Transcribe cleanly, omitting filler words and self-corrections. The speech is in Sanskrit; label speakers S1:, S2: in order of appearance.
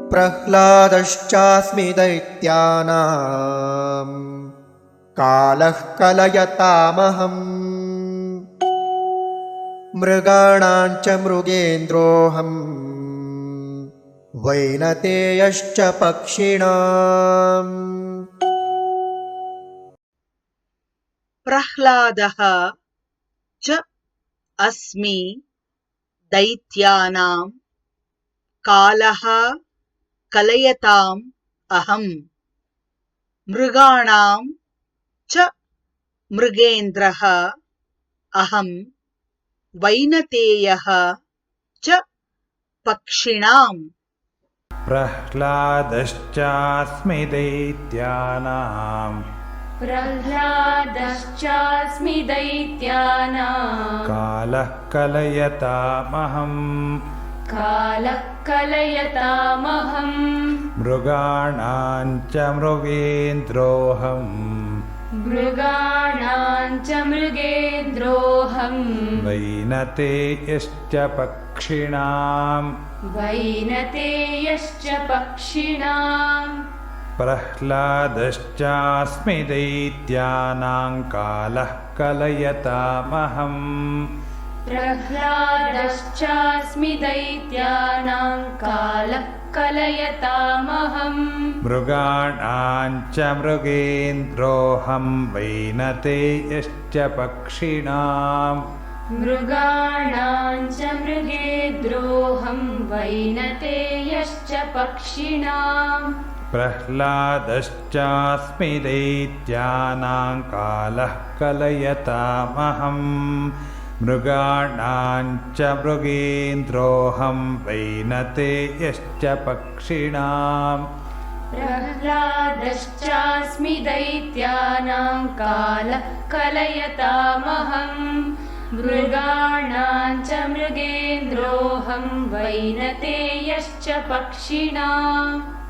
S1: प्रह्लादश्चास्मि दैत्यानां कालः कलयतामहम् मृगाणां च मृगेन्द्रोऽहम् वैनतेयश्च पक्षिणाम्।
S2: प्रह्लादः च अस्मि दैत्यानां कालः कलयताम् अहम् मृगाणां च मृगेन्द्रः अहं वैनतेयः च पक्षिणाम्।
S3: प्रह्लादश्चास्मि दैत्यानां कालः कलयतामहम् मृगाणां च मृगेन्द्रोऽहम् वैनतेयश्च पक्षिणाम्। प्रह्लादश्चास्मि दैत्यानां कालः कलयतामहम् मृगाणां च मृगेन्द्रोऽहम् वैनतेयश्च पक्षिणाम्। प्रह्लादश्चास्मि दैत्यानां कालः कलयतामहम् मृगाणां च मृगेन्द्रोऽहम् वैनतेयश्च पक्षिणाम्।
S4: प्रह्लादश्चास्मि दैत्यानां कालः कलयतामहम् मृगाणां च मृगेन्द्रोऽहम् वैनतेयश्च पक्षिणाम्।